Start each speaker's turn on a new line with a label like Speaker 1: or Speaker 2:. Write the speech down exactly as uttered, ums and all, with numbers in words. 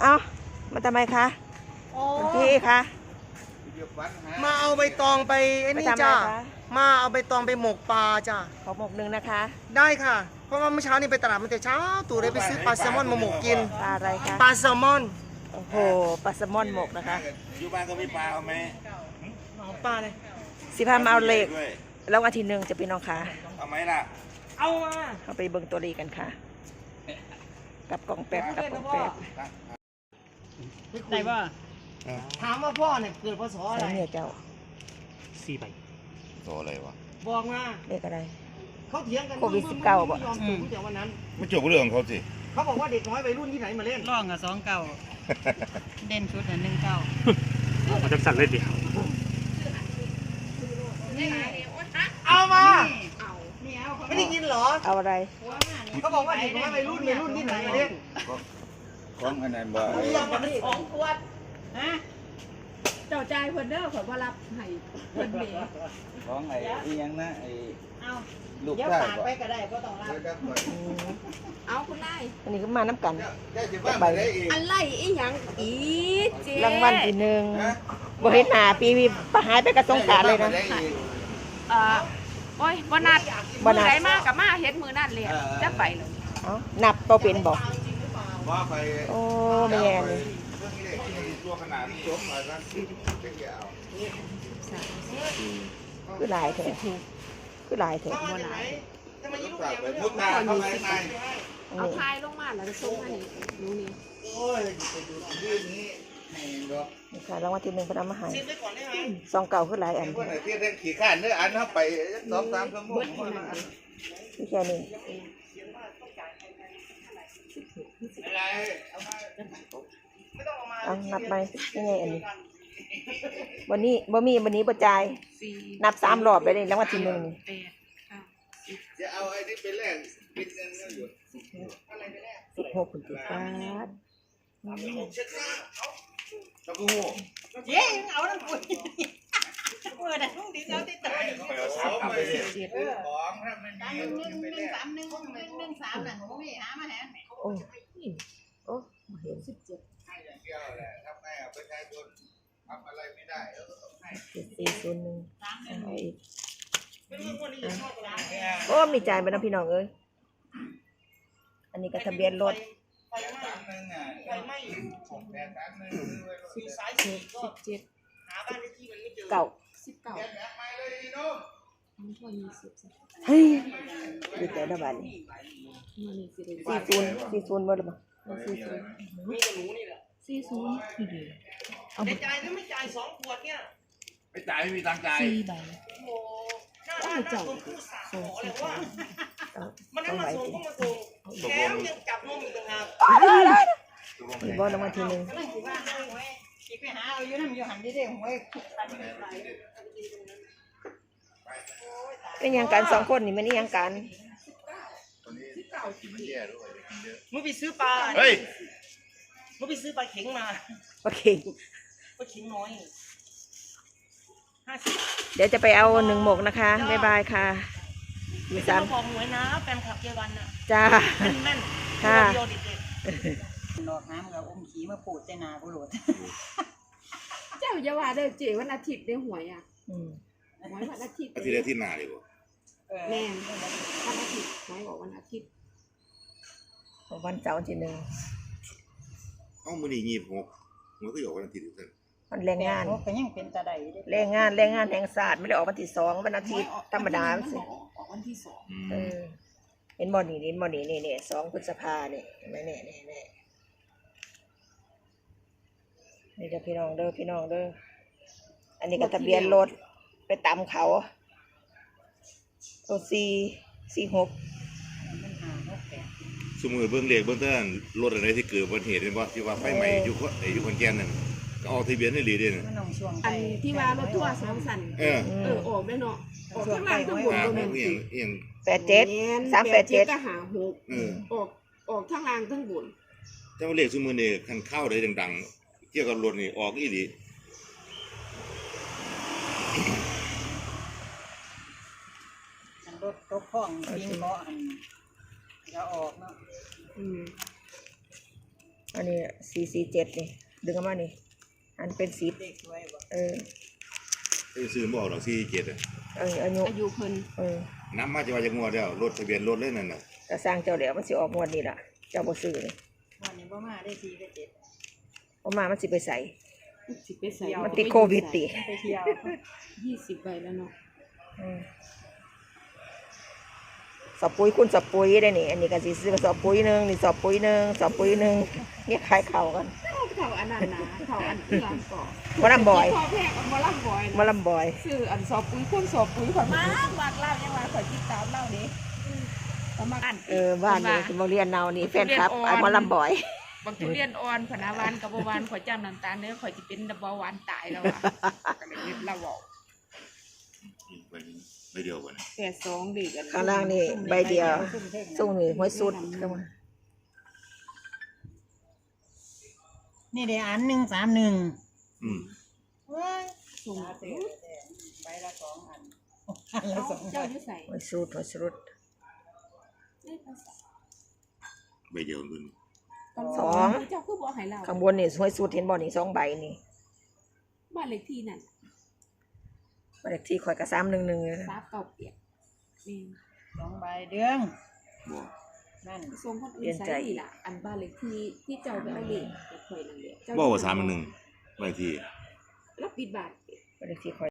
Speaker 1: เอามาทำไมคะคุณพี่คะ
Speaker 2: มาเอาใบตองไปไอ้นี่จ้ามาเอาใบตองไปหมกปลาจ้า
Speaker 1: ขอหมกหนึ่งนะคะ
Speaker 2: ได้ค่ะเพราะว่าเมื่อเช้านี่ไปตลาดมาแต่เช้าตู่เลยไปซื้อปลาแซลมอนมาหมกกิน
Speaker 1: ปลาอะไรคะ
Speaker 2: ปลาแซลมอน
Speaker 1: โอ้โหปลาแซลมอนหมกนะคะ
Speaker 3: อยู่บ้านก็มีปลาเอาไหม
Speaker 2: เอาปลาเลย
Speaker 1: สิพามาเอาเหล็กแล้ววันที่หนึ่งจะพี่น้องค่ะ
Speaker 3: เอาไหมล่ะ
Speaker 2: เอามา
Speaker 1: เอาไปเบิ่งตัวเลขกันค่ะ กับกล่องแป๊บกับกล่องแป๊บ
Speaker 4: ได้ป่ะ
Speaker 2: ถามว่าพ่อเนี่ยเกิดพศอะ
Speaker 1: ใส่
Speaker 2: ไร
Speaker 1: เนี่ยเจ้า
Speaker 4: สี่ใบ
Speaker 3: โตอะไรวะ
Speaker 2: บอกมา
Speaker 1: เลขอะไร
Speaker 2: เขาเถียงกัน
Speaker 1: โควิดสิบเก้าบ่
Speaker 2: ไม่ยอมถูกตั้งแต่วันนั้น
Speaker 3: ไม่จบเรื่องของเขาสิ
Speaker 2: เขาบอกว่าเด็กน้อยวัยรุ่นที่ไหนมาเล่น
Speaker 4: ร่องกับสองเก้าเด่นชุดอ่ะหนึ่งเก้า
Speaker 5: มันจะสั่นเลยเดียว
Speaker 2: เอามา
Speaker 4: ไม่เอา
Speaker 2: ไม่ได้ยินเหรอ
Speaker 1: เอาอะไร
Speaker 2: เขาบอกว่าเด็กน้อยวัยรุ่นวัยรุ่นที่ไหนมาเล่น
Speaker 3: ของอันนั้นบ่
Speaker 2: เรียกมาดิ
Speaker 4: สองขวดฮะเจ้าใจเพิ่นเด้อเพิ่นบ่รับให้เพิ่นเบ
Speaker 3: ของไอ้อีหยังนะไอ้
Speaker 4: เอา
Speaker 3: ลูก
Speaker 4: เดี๋ยว
Speaker 3: ชาย
Speaker 4: ฝาก
Speaker 3: บ่
Speaker 4: ไปก็ได้บ่ต้องรับเอาคุณนาย
Speaker 1: อันนี้ก็มาน้ำกัน
Speaker 3: ได้สิบ้านได้อีก
Speaker 4: อะไรอีหยังอีเจ๊
Speaker 1: รางวัลที่หนึ่งบ่เห็นหน้าปีวีปหายไปกระสงสารเลยนะ
Speaker 6: เอ่อโอ้ยบ่นัด
Speaker 1: บ่
Speaker 6: มื
Speaker 1: นั
Speaker 6: อ
Speaker 1: ด
Speaker 6: ไหนมากับมาเฮ็ดมือนั่นเลยจะไปเลย
Speaker 1: เอานับตัวเป็นบอก
Speaker 3: ว่าไป
Speaker 1: โอ้แม่นี่
Speaker 3: ตัวขนาดจบมาซะจะเกี่ยว
Speaker 1: คือหลายแท้คือหลายแท้
Speaker 2: มาจากไหนทำไมยิ่ง
Speaker 3: ฝาก
Speaker 2: เดียว
Speaker 3: ไปมุดตาเข้าไปใน
Speaker 6: เอาทายลงมาแล้วก็ส่งมาให้หนูนี่
Speaker 3: โอ้ยไปดูที่นี้ให้ดอก
Speaker 1: นี่ค่ะรางวัลที่หนึ่งเพนเอามาให้
Speaker 2: ซิมไปก่อนได้ไหม
Speaker 1: ซองเก่าคือหลายอัน
Speaker 3: คนไหนที่ได้ขี่ข้านเนื้ออันเข้าไปสองสามชั่วโมง
Speaker 1: ที่แค่นี้
Speaker 3: อะไร
Speaker 1: เอานับไปยังไงอันนี้วันนี้บ่มีวันนี้บ่จ่าย
Speaker 6: สี่
Speaker 1: นับสามรอบเลยนี่รางวัลที่หนึ่งนี่
Speaker 6: แปดเก้า
Speaker 3: จะเอาไอ้นี่ไปแลกบินเงินก็อยู่
Speaker 1: สิบหกคุณติฟ้าด
Speaker 3: ตะกู
Speaker 4: เจ๊เอาทั้งคุยเมื่อน่ะต้องดิเอาติดต่อดิ
Speaker 3: เอาไปของถ้าไม่มี
Speaker 4: หนึ่ง
Speaker 3: ไป
Speaker 4: ห
Speaker 3: แล
Speaker 4: นึ่ง
Speaker 3: ก
Speaker 4: สามหนึ่งหนึ่งหนึ่งสามน่ะหนูมีหามาแหน
Speaker 1: โอ้โอ้บ่เห็น
Speaker 4: สิบเจ็ด
Speaker 3: ให้อย่างเดียวแหละทำไงอ่ะประชาชนทำอะไรไม่ได้แล้วก็ต้องให้
Speaker 1: เจ็ดสี่ศูนย์หนึ่งเอาอีก
Speaker 2: ไม่รู้ว่าคนนี้จะชอบอะไร
Speaker 1: โอ้มีจ่ายไปนะพี่น้องเอ้ยอันนี้ก็ทะเบียนรถ
Speaker 2: ไฟไหม้
Speaker 3: สามหนึ่งอ่ะ
Speaker 2: ไฟไหม้
Speaker 3: หกแปดสามหนึ่งซื้อไว้รถ
Speaker 2: มีสายสีก็
Speaker 6: สิบเจ็ด
Speaker 2: หาบ้านเลขที่มันไม่เจอ
Speaker 1: เก่า
Speaker 6: สิบเก้า
Speaker 3: แกแบกไปเลยดีนุ่ม
Speaker 6: มันพอยี่สิบสิบ
Speaker 1: เฮ้ยดีใจนะบ้านนี้
Speaker 6: มันนี่สิได้
Speaker 1: สี่ศูนย์สี่ศูนย์หมดหรือเปล่า
Speaker 6: สี่ศูนย์
Speaker 2: มีแต่หนูนี่แหละ
Speaker 6: สี่ศูนย์นี่ดีเอา
Speaker 2: ไม่จ่ายหรือไม่จ่ายสองขวดเนี่ย
Speaker 3: ไปจ่ายไม่มีตังค์จ่าย
Speaker 6: สี่ใบ
Speaker 2: โอ้โหหน้าด้านหน้าคนผู้สาวบอกเลยว่า
Speaker 1: เอา
Speaker 2: มัน
Speaker 1: ต้
Speaker 2: นั้
Speaker 1: อน ง
Speaker 2: มา
Speaker 1: ไหว
Speaker 2: ส่ง
Speaker 1: สิ
Speaker 2: ก็มาส่งแถมยังจับนมอีกต่างหาก
Speaker 1: มีบอลรางวัลที่หนึ่ง
Speaker 4: นั่นคือว่าหาหวยสิไปหาเอาอยู่นำอยู่หันได้ได้หวยตันไป
Speaker 1: เป็นยังการสองคนนี่มันนี่ยังการ
Speaker 3: คนนี้กินมันแย่ด้วยกินเยอะ
Speaker 2: มึงไปซื้อปลา
Speaker 3: เฮ้ย
Speaker 2: มึงไปซื้อปลาเข็งมา
Speaker 1: โอเค
Speaker 2: ปลาเข็งน้อยห้าสิบ
Speaker 1: เดี๋ยวจะไปเอาหนึ่งหมกนะคะบ๊ายบายค่ะอยู่
Speaker 2: จะ
Speaker 1: สาม
Speaker 2: มาบอกหวยนะแฟนคลับเยาวันน่ะ
Speaker 1: จ้า
Speaker 2: แม่นแม่น
Speaker 1: ค่ะ
Speaker 2: เดียวเด็ด
Speaker 4: ดอกน้ำกับอมขี้มาปูดใส่หน้าผู้โหลด
Speaker 6: เจ้าอย่าว่าเด้อเจ๊วันอาทิตย์ได้หวยอ่ะ
Speaker 1: อืม
Speaker 6: หวยวันอาทิตย์
Speaker 3: อาทิตย์ละที่นาเลยบ่
Speaker 6: แม่นวันอาทิตย์หวยบอกวันอาทิตย์
Speaker 1: วันเสาร์ที่หนึ่ง
Speaker 3: เอ้ามื้อนี้ยี่สิบหกมันก็อยู่วันอาทิตย์อยู่ซั่น
Speaker 1: มันแรงงาน
Speaker 4: ก็ยังเป็นตาใดเด้
Speaker 1: แรงงานแรงงานแห่งศาสตร์ไม่ได้ออกวันที่สองวันอาทิตย์ธรรมดาสิ
Speaker 6: ออกวันที่สอง
Speaker 3: อื
Speaker 1: เอ
Speaker 3: ม
Speaker 1: อเห็นบอลนี่เห็นบอลนี่นี่นี่สองพฤษภาเนี่ยนี่นี่นี่นี่นี่เด้อพี่น้องเด้อพี่น้องเด้ออันนี้ก็ทะเบียนรถไปตามเขาตัวสี่สี่หก
Speaker 4: มันหาหกแปด
Speaker 3: สมมุติเบิ่งเลขเบิ่งเท่านั้นรถอะไรที่เกิดอุบัติเหตุเป็นบ่ที่ว่าไฟไหม้อยู่คนไอ้อยู่คนแก่นนั่นก็ออกทะเบียนได้เลยเด้น่ะ
Speaker 4: มันน้องช่วง
Speaker 6: อันที่ว่ารถทัวร์สองสัน
Speaker 3: เออ
Speaker 6: เออออกได้เนาะออกข้างล่างข้างบน
Speaker 3: อ่า
Speaker 6: ก็
Speaker 3: ข
Speaker 6: แม่
Speaker 3: อง
Speaker 6: น
Speaker 3: เอียงเอียง
Speaker 1: แปดเจ็ดสามแปดเจ็ด
Speaker 6: ก็หาหก
Speaker 3: เออ
Speaker 6: ออกออกทั้งล่างทั้งบน
Speaker 3: เจ้าเลขซุมื้อนี้คันเข้าได้ดังๆเกี่ยวกับรถนี่ออกอีหลี
Speaker 4: อันรถตกข้องบิงเกาะอันจะออกเนาะ
Speaker 6: อืม
Speaker 1: อันนี้สี่สี่เจ็ดนี่ดึงออกมานี่อันเป็นสิบเออ
Speaker 3: ไอ้ซื้อบ่ออกดอกสี่เจ็ดอ่ะ
Speaker 1: เอออายุ
Speaker 6: อายุเพิ่น
Speaker 1: เออ
Speaker 3: น้ำมาจะว่าจะงัวแล้วรถทะเบียนรถเลยนั่นน่ะ
Speaker 1: ก็สร้างเจ้าเดี๋ยวมันสิออกงวดนี้ล่ะเจ้าบ่ซื้อนี่
Speaker 2: วันนี้บ่มาได้สี่กับเจ็ด
Speaker 1: เพราะมามันสิไปใส่
Speaker 6: สิไปใส่
Speaker 1: มันติดโควิดติ
Speaker 2: ไปเที่ยว
Speaker 6: ยี่สิบใบแล้วเนาะ
Speaker 1: อืมสอบปุ๋ยคุณสอบปุ๋ยได้นี่ อันนี้ก็สิซื้อสอบปุ๋ยหนึงนี่สอบปุ๋ยหนึงสอบปุ๋ยหนึงเนี่ยขายเข่ากัน
Speaker 6: เขาอันนั้นนะเขาอันเอื้อมก่อน
Speaker 1: บ่ลำบ่อย
Speaker 6: พอแพงบ่ลำบ่อย
Speaker 1: บ่ลำบ่อย
Speaker 6: ซื้ออันสอบปุ๋ยคนสอบปุ๋ยข่อยมากมากเล่ายังว่าข่อยติดตามเล่านี้ประมาณ
Speaker 1: เออบ้านนี่บ่เรียนเนานี่แฟนคลับไอ้บ่ลำบ่อย
Speaker 6: บางทุเรียนอ่อนพนาวานกับบ่หวานข่อยจ้ำน้ำตาลเด้อข่อยสิเป็นเบาหวานตายแล้วอ่ะก็เลยเฮ็ดเราเว้า
Speaker 3: ไปไปเดียวกัน
Speaker 6: แปดสองดีกัน
Speaker 1: ข้างล่างนี่ใบเดียวส่งนี่ห้วยสุดเข้ามา
Speaker 2: นี่ได้อันหนึ่งสามหนึ่ง
Speaker 3: อืม
Speaker 6: ส่ง
Speaker 2: ใบละสองอันอันละสอง
Speaker 6: เจ้าอยู่ใส่
Speaker 1: ห้วยสุดห้วยสุด
Speaker 3: ไปเดียวกัน
Speaker 1: สอง
Speaker 6: เจ้าคือบ่ให้เรา
Speaker 1: ข้างบนนี่ห้วยสุดเห็นบ่นี่สองใบนี่
Speaker 6: บ้านเลขที่นั่น
Speaker 1: บ้านเลขที่ข่อยก็สามหนึ่งหนึ่ง
Speaker 6: ทราบเก่าเปียกนี่
Speaker 2: สองใบเดือง
Speaker 3: บ่
Speaker 2: นั่น
Speaker 6: ส่งคนอื่นใส่นี่ล่ะอันบ้านเลขที่ที่เจ้าไปเอาเลขไปข่อยนั่นแหละ
Speaker 3: บ่ว่าสามอันหนึ่งไว้ที่
Speaker 6: รับปิดบาท
Speaker 1: บ้านเลขที่ข่อย